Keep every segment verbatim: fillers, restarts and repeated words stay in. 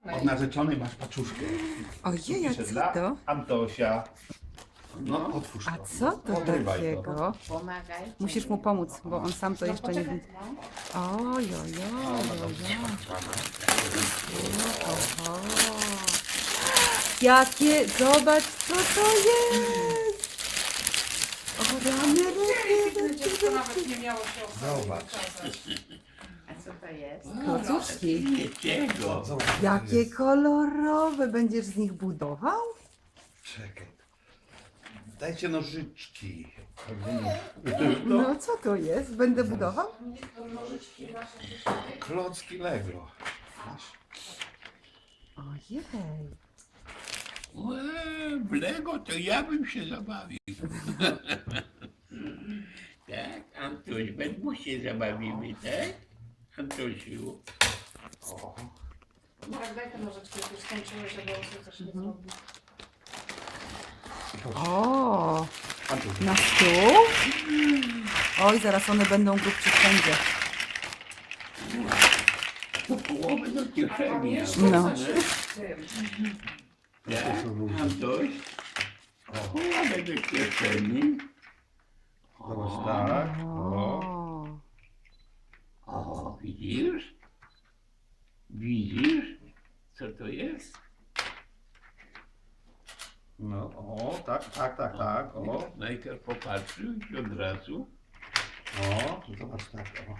Od narzeczonej masz paczuszkę. Ojej, a Pisze co dla to? Antosia. No, otwórz to. A co to Odrywaj takiego? Pomagaj. Musisz mu pomóc, bo on sam to No jeszcze nie poczekaj, widzi. no. Oj, oj, oj, oj, oj. Jakie, zobacz, co to jest! O, rany, rany, Dziecko nawet nie miało się okazji Zobacz. pokazać. A co to jest? klocuszki. Jakiego? Zobacz, co to Jakie jest. kolorowe, będziesz z nich budował? Czekaj. Dajcie nożyczki. No, co to jest? Będę budował? Klocki Lego. Masz? Ojej. Łe, w Lego to ja bym się zabawił. Tak, Antoś, we dwóch się zabawimy, tak? Antosiu. O, Marek, daj te nożyczki, jak już skończyłeś, żeby on sobie też nie zrobił. O, Antoś. na stół? Oj, zaraz one będą grubci wszędzie. Po połowę do kieszeni. jeszcze No. coś w tym. Tak, Antoś. Połowę do kieszeni. Zobacz, tak. O. O, O, widzisz? Widzisz? Co to jest? No, o, tak, tak, tak, tak. O, Najpierw popatrzył i od razu. o, zobacz, tak. O.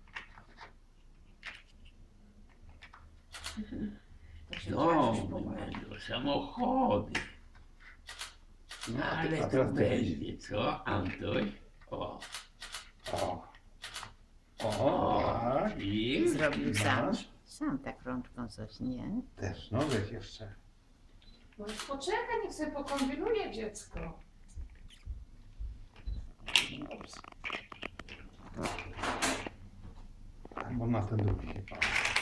To się No, coś pomaga. do samochody. No, a ty- Ale a to teraz ty. będzie, co, Antoś? O, O. O, tak. i Zrobił sam. Masz? Sam tak rączką coś, nie? Też, no wiesz jeszcze. No już poczekaj, niech sobie pokombinuje dziecko. Albo na ten drugi chyba.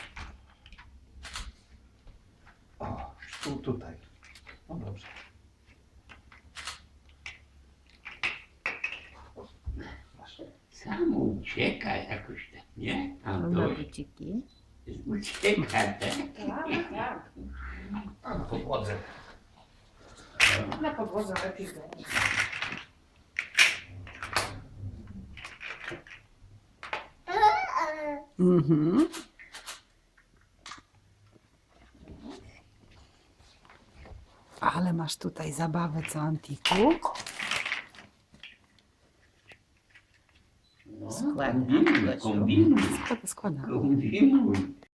O, tu, tutaj. No dobrze. Masz. sam ucieka jakoś tak, nie? Na Antoś buciki. ucieka, tak? Tak, tak. A na podłodze. Na podłodze lepiej będzie. mhm. Ale masz tutaj zabawę, co Antiku? No, Składaj, kombinuj, Gosiu. kombinuj, Składa, składa. kombinuj.